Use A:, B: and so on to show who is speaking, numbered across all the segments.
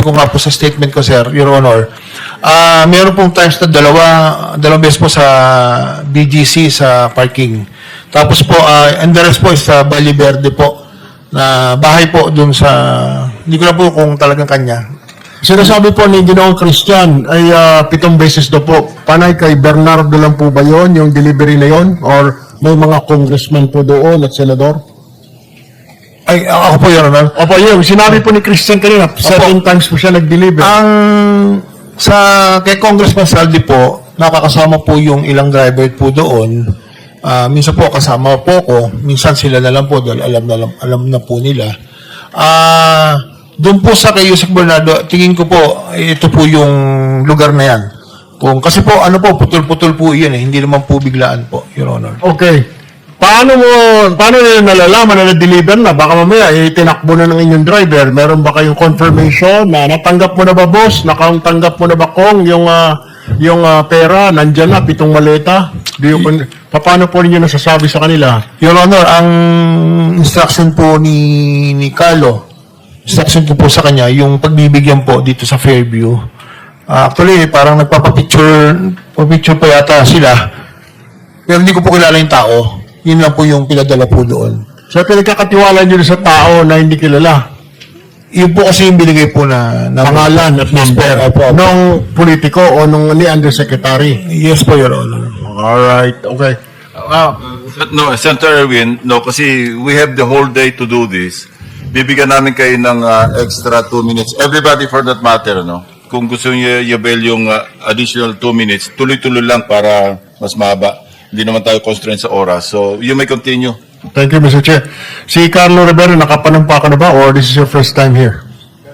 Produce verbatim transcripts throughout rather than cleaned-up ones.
A: ko nga po sa statement ko, sir, Your Honor, ah meron pong times na dalawa, dalawang beses po sa B G C sa parking. Tapos po, ah and the rest po is sa Valle Verde po, na bahay po dun sa, hindi ko na po kung talagang kanya.
B: Sinasabi po ni Ginoong Christian ay ah, pitong beses daw po. Panay kay Bernardo lang po ba yon yung delivery na yon? Or may mga congressman po doon at senador?
A: Ay, ako po, Your Honor.
B: Opo, yun. Sinabi po ni Christian kanina, seven times po siya nag-deliver.
A: Ang sa kay Congressman Saldi po, nakakasama po yung ilang driver po doon. Ah, minsan po kasama po ko, minsan sila na lang po dahil alam na lang- alam na po nila. Ah, doon po sa kay Yusek Bernardo, tingin ko po ito po yung lugar na yan. Kung kasi po ano po putol-putol po 'yan eh, hindi naman po biglaan po, Your Honor.
B: Okay. Paano mo, paano nila nalalaman na na-deliver na? Baka mamaya, eh, tinakbo na ng inyong driver. Meron ba kayong confirmation na natanggap mo na ba, boss? Nakatanggap mo na ba, Kong, yung, ah, yung ah, pera? Nandyan na, pitong maleta? Do you, paano po ninyo nasasabi sa kanila?
A: Your Honor, ang instruction po ni ni Carlo, instruction ko po sa kanya, yung pagbibigyan po dito sa Fairview. Ah, actually, parang nagpapapicture, papicture pa yata sila. Pero hindi ko po kilala yung tao. Yun lang po yung pinadala po doon.
B: So, pinagkakatiwala nyo sa tao na hindi kilala.
A: Yun po kasi yung binigay po na, na
B: Pangalan at number.
A: Opo, opo.
B: Nung politiko o nung ni undersecretary.
A: Yes po, Your Honor.
B: Alright, okay. Ah,
C: No, Senator Erwin, no, kasi we have the whole day to do this. Bibigyan namin kayo ng uh, extra two minutes. Everybody for that matter, no? Kung gusto niyo i-avail yung uh, additional two minutes, tuloy-tuloy lang para mas mahaba. Hindi naman tayo constrained sa oras. So, you may continue.
B: thank you, Mister Chair. Si Carlo Rivera, nakapanumpa ka na ba or this is your first time here?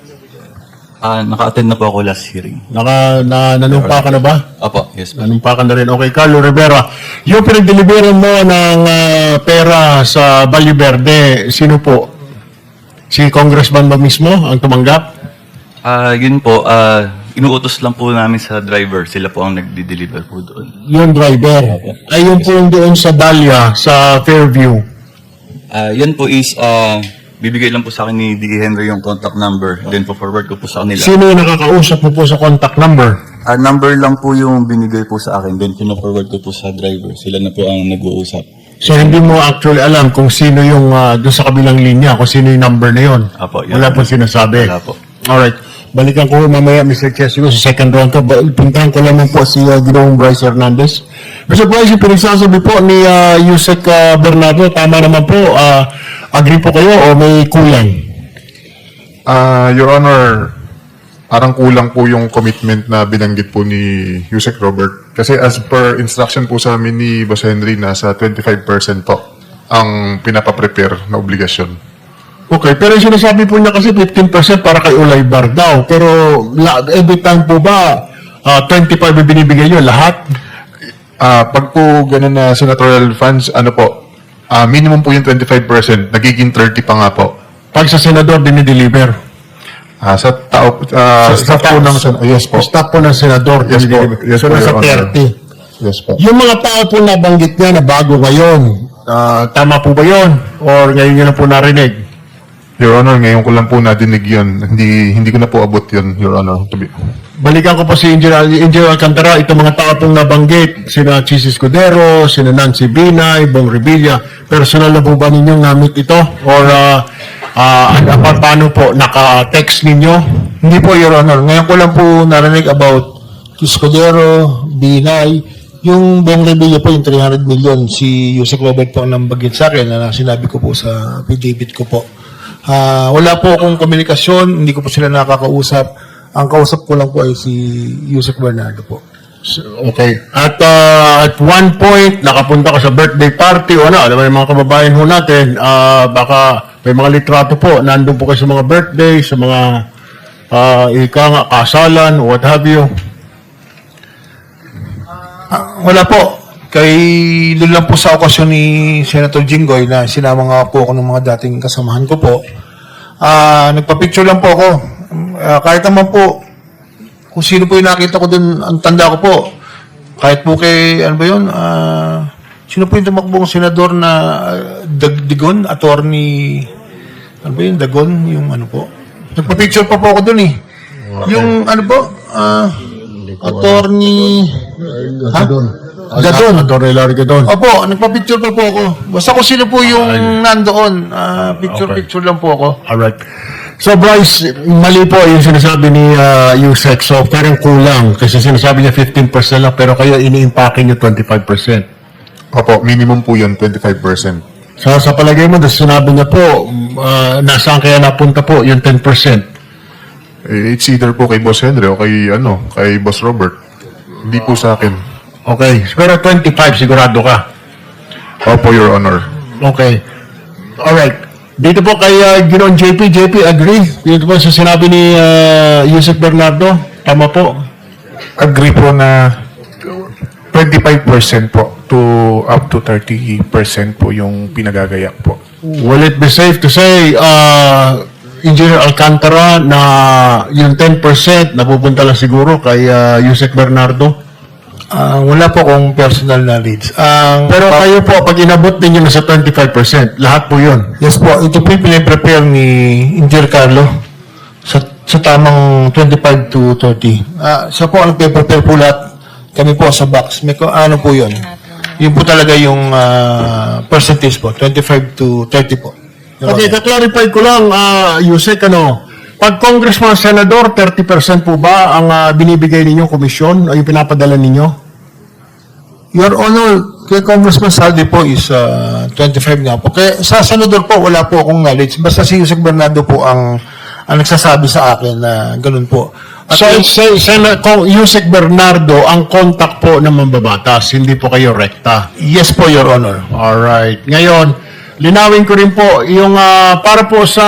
D: Ah, naka-attend na po ako last hearing.
B: Naka, na, nanumpa ka na ba?
D: Opo, yes po.
B: Nanumpa ka na rin. Okay, Carlo Rivera, yung pinag-deliveran mo ng ah, pera sa Valle Verde, sino po? Si Congressman ba mismo ang tumanggap?
D: Ah, yun po, ah, inuutos lang po namin sa driver. Sila po ang nagdi-deliver po doon.
B: Yung driver. Ay, yung po yung doon sa Dahlia, sa Fairview.
D: Ah, yun po is, ah, bibigay lang po sa akin ni D E Henry yung contact number. Then po forward ko po sa kanila.
B: Sino yung nakakausap mo po sa contact number?
D: Ah, number lang po yung binigay po sa akin. Then pino-forward ko po sa driver. Sila na po ang nag-uusap.
B: So, hindi mo actually alam kung sino yung ah, doon sa kabilang linya, kung sino yung number na yun.
D: Apo, yun.
B: Wala po sinasabi.
D: Wala po.
B: Alright. Balikan ko mamaya, Mister Chair, siguro sa second round ko. Ba- Puntahan ko lamang po si uh, Ginoong Bryce Hernandez. Mister Bryce, yung pinagsasabi po ni uh, Yusek uh, Bernardo, tama naman po. Uh, agree po kayo o may kulang?
E: Ah, Your Honor, parang kulang po yung commitment na binanggit po ni Yusek Robert. Kasi as per instruction po sa amin ni Boss Henry, nasa twenty-five percent po ang pinapaprepare na obligasyon.
B: Okay, pero yung sinasabi po niya kasi fifteen percent para kay Ulay Bar daw. Pero la, every time po ba, uh, twenty-five yung binibigay nyo, lahat?
E: Ah, pag po ganun na senatorial funds, ano po, ah, minimum po yung twenty-five percent, nagiging thirty pa nga po.
B: Pag sa senador, dinideliver.
E: Ah, sa tao, ah,
B: Sa-
E: staff
B: sa-
E: po ng, sen- yes po.
B: Staff po ng senador.
E: Yes po.
B: dinideliver.
E: Yes
B: so,
E: po,
B: nasa
E: Your Honor.
B: thirty.
E: Yes po.
B: Yung mga tao po nabanggit niya na bago ngayon, ah, tama po ba yun? Or ngayon nyo na po narinig?
E: Your Honor, ngayon ko lang po nadinig yun. Hindi, hindi ko na po abot yun, Your Honor. To be,
B: Balikan ko po si Engineer, Engineer Alcantara, itong mga tao pong nabanggit, sina Chis Escudero, sina Nancy Binay, Bong Revilla, personal na po ba ninyong namit ito? Or uh, uh, pa- paano po, naka-text ninyo?
A: Hindi po, Your Honor. Ngayon ko lang po narinig about Escudero, Binay, yung Bong Revilla po, yung three hundred million, si Yusek Robert po ang nambagit sa akin na sinabi ko po sa affidavit ko po. Ah, wala po akong komunikasyon, hindi ko po sila nakakausap. Ang kausap ko lang po ay si Yusek Bernardo po.
B: Okay. At uh, at one point, nakapunta ka sa birthday party o ano, alam mo yung mga kababayan ho natin, uh, baka may mga litrato po, nandun po kayo sa mga birthday, sa mga uh, ika nga, kasalan, what have you.
A: Ah, wala po. Kay doon lang po sa okasyon ni Senator Jinggoy na sinama nga po ako ng mga dating kasamahan ko po. Ah, nagpa-picture lang po ako. Ah, kahit naman po kung sino po yung nakita ko doon, ang tanda ko po. Kahit po kay, ano ba yun, ah, sino po yung tumakbong senador na uh, Dag Digon, attorney, ano ba yun, Dagon, yung ano po. Nagpa-picture pa po ako doon eh. Yung ano po, ah, attorney... Ha? Gadon.
B: Attorney Larry Gadon.
A: Opo, nagpa-picture pa po ako. Basta kung sino po yung nandoon, ah, picture-picture lang po ako.
B: Alright. So Bryce, mali po yung sinasabi ni uh, Yusek. So parang kulang kasi sinasabi niya fifteen percent lang pero kayo ini-impake niyo twenty-five percent.
E: Opo, minimum po yun, twenty-five percent.
B: So sa palagay mo, dahil sinabi niya po, uh, nasaan kaya napunta po yung ten percent?
E: Eh, It's either po kay Boss Henry o kay, ano, kay Boss Robert. Hindi po sa akin.
B: Okay. Pero twenty-five sigurado ka.
E: Opo, Your Honor.
B: Okay. Alright. Dito po kay uh, Ginoon J P. J P, agree? Dito po sa sinabi ni uh, Yusek Bernardo. Tama po.
F: Agree po na twenty-five percent po to up to thirty percent po yung pinagagayak po.
B: Will it be safe to say, uh, Engineer Alcantara, na yung ten percent napupunta lang siguro kay uh, Yusek Bernardo?
A: Ah, wala po akong personal knowledge. Ang
B: Pero kayo po, pag inabot ninyo na sa twenty-five percent, lahat po yun.
A: yes po, ito po yung pinaprepare ni Engineer Carlo sa, sa tamang twenty-five to thirty. Ah, siya po ang nagpe-prepare po lahat. Kami po sa box. May ko- ano po yun? Yun po talaga yung ah, percentage po, twenty-five to thirty po.
B: Okay, kaklarify ko lang, uh, Yusek, ano, pag congressman, senador, thirty percent po ba ang uh, binibigay ninyong komisyon o yung pinapadala ninyo?
A: Your Honor, kay Congressman Saldi po is uh, twenty-five nga po. Kaya sa senador po, wala po akong knowledge. Basta si Yusek Bernardo po ang, ang nagsasabi sa akin na ganun po. At
B: So,
A: yung-
B: say, say, kung Yusek Bernardo, ang contact po ng mambabatas, hindi po kayo rekta.
A: yes po, Your Honor.
B: Alright. Ngayon, linawin ko rin po, yung ah, para po sa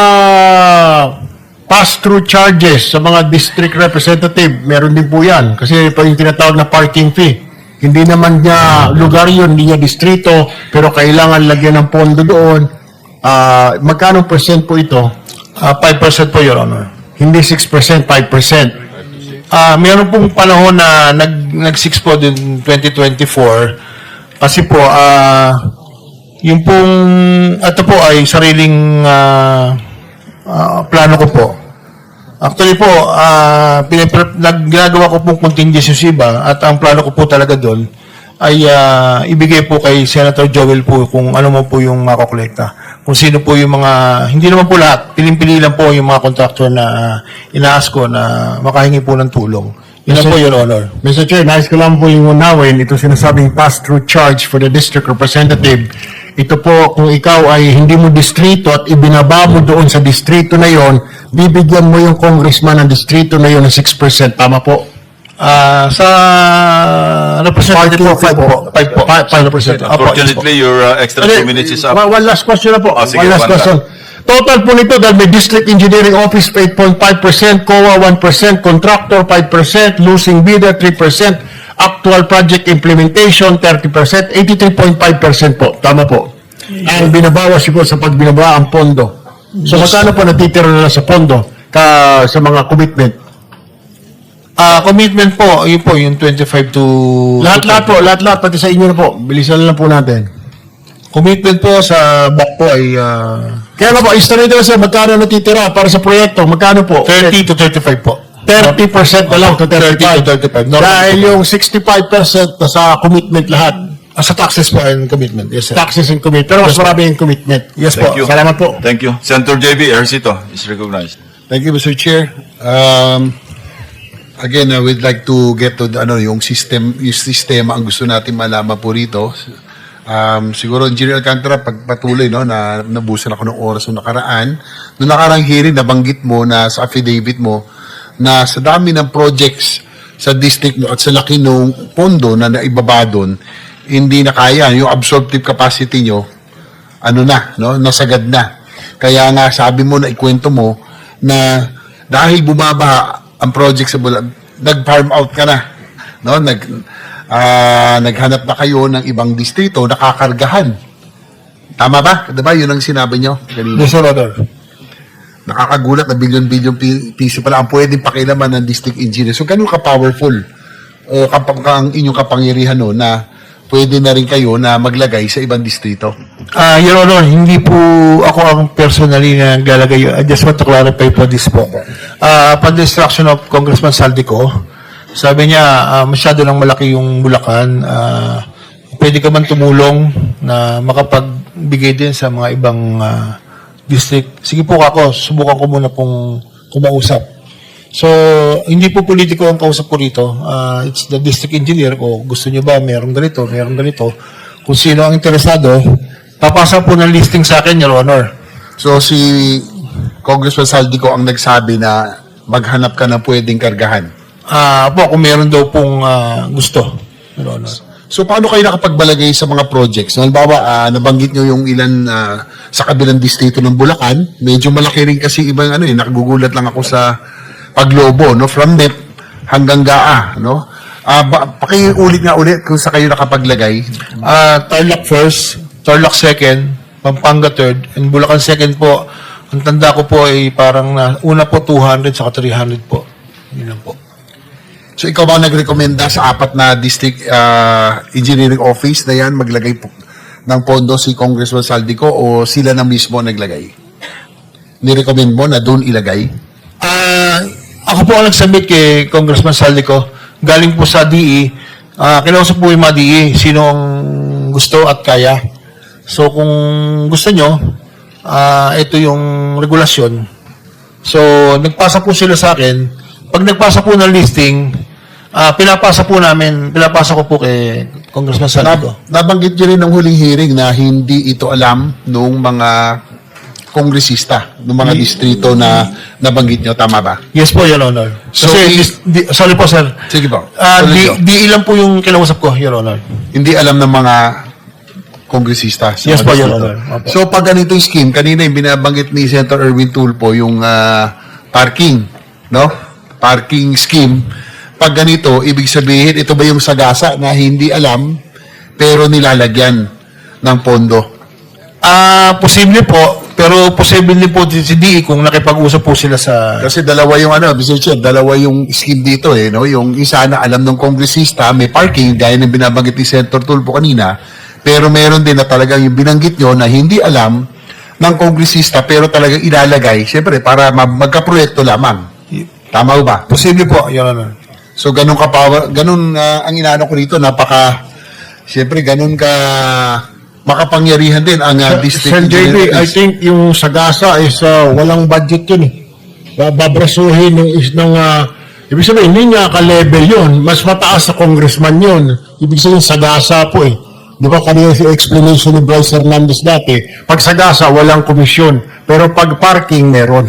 B: pass-through charges sa mga district representative, meron din po yan. Kasi pa yung tinatawag na parking fee. Hindi naman niya lugar yun, hindi niya distrito, pero kailangan lagyan ng pondo doon. Ah, magkano percent po ito?
A: Uh, five percent po, Your Honor.
B: Hindi six percent, five percent.
A: Ah, meron pong panahon na nag nag-six po din twenty twenty-four kasi po ah yung pong ito po ay sariling ah, ah, plano ko po. Actually po, ah pinipre- nagagawa ko pong contingency ba at ang plano ko po talaga doon ay ah, ibigay po kay Senator Joel po kung ano man po yung makokolekta. Kung sino po yung mga, hindi naman po lahat, piling-pili lang po yung mga contractor na ah, inaas ko na makahingi po ng tulong. Yun lang po, Your Honor.
B: Mister Chair, nais ko lang po liwanawin ito sinasabing pass-through charge for the district representative. Ito po, kung ikaw ay hindi mo distrito at ibinaba mo doon sa distrito na yon, bibigyan mo yung congressman ng distrito na yon ng six percent. Tama po?
A: Ah, sa representative po, five po. five po.
B: five percent.
A: Apo, yes po.
C: Unfortunately, your uh, extra two minutes is up.
B: One, one last question na po.
C: Ah, sige,
B: one last
C: one
B: question. Total po nito dahil may District Engineering Office eight point five percent, C O A one percent, Contractor five percent, Losing Bidder three percent, Actual Project Implementation thirty percent, eighty-three point five percent po. Tama po. Ang binabawas po sa pagbinaba ang pondo. So magkano po natitira na lang sa pondo ka, sa mga commitment?
A: Ah, commitment po, yun po, yung twenty-five to...
B: Lahat-lahat po, lahat-lahat, pati sa inyo na po. Bilisan na lang po natin.
A: Commitment po sa back po ay ah,
B: Kaya nga po, istorito na sir, magkano natitira para sa proyekto? Magkano po?
A: thirty to thirty-five po.
B: thirty percent na lang to
A: thirty
B: thirty-five.
A: to thirty-five. Normal
B: Dahil
A: po.
B: yung sixty-five percent na sa commitment lahat.
A: Ah, sa taxes po and commitment. Yes, sir.
B: Taxes and commitment. Pero mas marami yung commitment.
A: Yes po.
C: Thank you.
B: Salamat po.
C: Thank you. Senator J B Ercito is recognized.
G: Thank you, Mister Chair. Um, again, I would like to get to the, ano, yung system, yung sistema ang gusto natin malaman po rito. Um, siguro, Engineer Alcantara, pagpatuloy, no, na nabusan ako ng oras ng nakaraan. Noong nakarang hearing, nabanggit mo na sa affidavit mo na sa dami ng projects sa district mo at sa laki ng pondo na naibaba doon, hindi na kaya. Yung absorptive capacity nyo, ano na, no, nasagad na. Kaya nga, sabi mo na ikwento mo na dahil bumaba ang project sa Bulag, nag-farm out ka na. No? Nag, ah, naghanap na kayo ng ibang distrito na kakargahan. Tama ba? Diba? Yun ang sinabi nyo kanina.
A: Yes, Your Honor.
G: Nakakagulat na bilyon-bilyon pi- piso pala ang pwedeng pakilaman ng district engineer. So, ganun ka-powerful o kapag ang inyong kapangyarihan no, na pwede na rin kayo na maglagay sa ibang distrito.
A: Ah, Your Honor, hindi po ako ang personally na naglalagay. I just want to clarify po this po. Ah, upon the instruction of Congressman Saldico, sabi niya, ah, masyado lang malaki yung Bulacan. Ah, pwede ka man tumulong na makapagbigay din sa mga ibang ah, district. Sige po ako, subukan ko muna pong kumausap. So, hindi po politiko ang kausap ko rito. Ah, it's the district engineer ko. Gusto niyo ba merong ganito, merong ganito. Kung sino ang interesado, papasa po ng listing sa akin, Your Honor.
G: So si Congressman Saldico ang nagsabi na maghanap ka ng pwedeng kargahan.
A: Ah, po, kung meron daw pong ah, gusto, Your Honor.
G: So paano kayo nakapagbalagay sa mga projects? Halimbawa, ah, nabanggit nyo yung ilan ah, sa kabilang distrito ng Bulacan. Medyo malaki rin kasi ibang ano eh, nakagugulat lang ako sa paglobo, no? From N E P hanggang G A A, no? Ah, ba, pakiulit nga ulit kung sa kayo nakapaglagay.
A: Ah, Tarlac first, Tarlac second, Pampanga third, and Bulacan second po. Ang tanda ko po ay parang na, una po two hundred saka three hundred po. Yun lang po.
G: So ikaw ba ang nagrekomenda sa apat na district ah, engineering office na yan maglagay po ng pondo si Congressman Saldico o sila na mismo naglagay? Nirecommend mo na doon ilagay?
A: Ah, ako po ang nag-submit kay Congressman Saldico. Galing po sa D E. Ah, kinausap po yung mga D E. Sino ang gusto at kaya. So, kung gusto nyo, ah, ito yung regulasyon. So, nagpasa po sila sa akin. Pag nagpasa po ng listing, ah, pinapasa po namin, pinapasa ko po kay Congressman Saldico.
G: Nab- nabanggit nyo rin ng huling hearing na hindi ito alam nung mga kongresista, nung mga distrito na nabanggit nyo. Tama ba?
A: Yes po, Your Honor.
G: So,
A: Kasi,
G: i-
A: dis- di- sorry po, sir.
G: Sige po.
A: Ah,
G: Tuloy
A: di,
G: nyo.
A: di ilan po yung kinausap ko, Your Honor.
G: Hindi alam ng mga kongresista. sa
A: Yes
G: mga
A: po, Your
G: distrito.
A: Honor. Opo.
G: So, pag ganito yung scheme, kanina yung binabanggit ni Senator Erwin Tulfo, yung ah, parking, no? Parking scheme. Pag ganito, ibig sabihin, ito ba yung sagasa na hindi alam, pero nilalagyan ng pondo?
A: Ah, posible po, pero posible din po si D E kung nakipag-usap po sila sa...
G: Kasi dalawa yung ano, Mister Chair, dalawa yung scheme dito eh, no? Yung isa na alam ng kongresista, may parking, gaya ng binabanggit ni Senator Tulfo kanina, pero meron din na talagang yung binanggit nyo na hindi alam ng kongresista, pero talagang ilalagay, syempre, para ma- magkaproyekto lamang. Tama ho ba?
A: Posible po, Your Honor.
G: So, ganun ka pa, ganun ah, ang inaano ko rito, napaka, syempre, ganun ka makapangyarihan din ang uh, district
B: Sir J B,
G: engineer
B: I
G: office.
B: think yung Sagasa is uh, walang budget yun eh. Babrasuhin ng is ng uh, ibig sabihin hindi niya ka-level yun, mas mataas sa congressman yun. Ibig sabihin Sagasa po eh. Di ba kanina si explanation ni Bryce Hernandez dati, pag Sagasa walang komisyon, pero pag parking meron.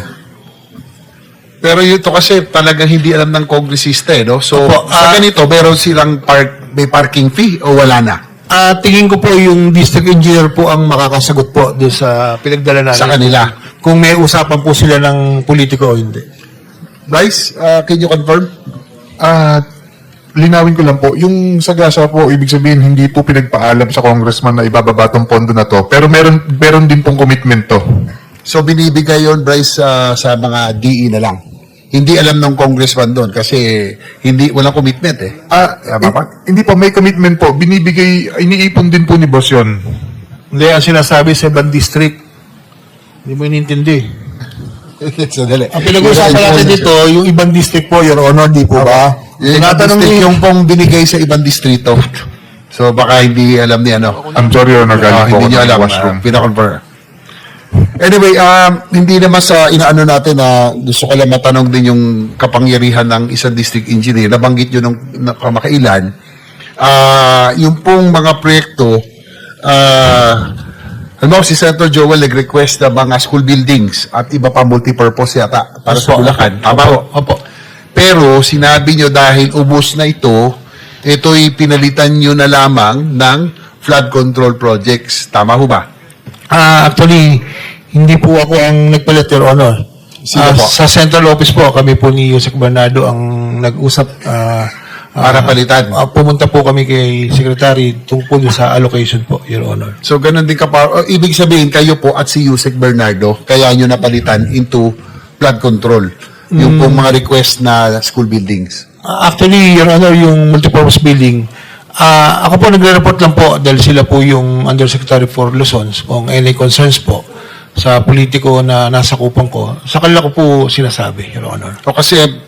G: Pero ito kasi talagang hindi alam ng kongresista eh, no? So,
A: Opo,
G: sa
A: ah,
G: ganito, meron silang park, may parking fee o wala na?
A: Ah, tingin ko po yung district engineer po ang makakasagot po doon sa pinagdala namin.
G: Sa kanila.
A: Kung may usapan po sila ng politiko o hindi.
G: Bryce, uh, can you confirm?
E: Ah, linawin ko lang po, yung sagasa po, ibig sabihin, hindi po pinagpaalam sa congressman na ibababa tong pondo na to, pero meron, meron din pong commitment to.
G: So, binibigay yon Bryce, uh, sa mga D E na lang. Hindi alam ng congressman doon kasi hindi walang commitment eh.
E: Ah,
G: Tama ba?
E: hin- hindi po, may commitment po, binibigay, iniipon din po ni boss yun.
A: Hindi, ang sinasabi sa ibang district. Hindi mo inintindi.
G: Sandali.
A: Ang pinag-uusapan natin dito, yung ibang district po, Your Honor, di po ba?
G: Yung ibang
A: Tinatanong
G: district,
A: niyo
G: yung pong binigay sa ibang distrito. So, baka hindi alam ni ano.
E: I'm sorry, Your Honor,
G: Ah,
E: galing po
G: hindi
E: ako
G: nyo
E: ng
G: alam.
E: washroom.
G: Uh, pinakonfirm. Anyway, um, hindi naman sa inaano natin na gusto ko lang matanong din yung kapangyarihan ng isang district engineer. Nabanggit nyo nung na- kamakailan. Ah, yung pong mga proyekto, ah, halimbawa si Senator Joel nag-request na mga school buildings at iba pa multipurpose yata para sa Bulacan. Tama ho?
A: Opo.
G: Pero sinabi nyo dahil ubos na ito, ito'y pinalitan nyo na lamang ng flood control projects. Tama ho ba?
A: Ah, actually, hindi po ako ang nagpalit, Your Honor.
G: Sino
A: Ah,
G: po?
A: Sa Central Office po, kami po ni Yusek Bernardo ang nag-usap. ah,
G: Para
A: ah,
G: palitan.
A: ah, pumunta po kami kay Secretary tungkol sa allocation po, Your Honor.
G: So, ganun din ka pa. o, ibig sabihin, kayo po at si Yusek Bernardo, kaya nyo napalitan into flood control. Yung pong mga request na school buildings.
A: Ah, actually, Your Honor, yung multipurpose building, Ah, ako po nagre-report lang po dahil sila po yung Undersecretary for Luzon kung any concerns po sa politiko na nasa kupang ko. Sa kanila ko po sinasabi, Your Honor.
G: O kasi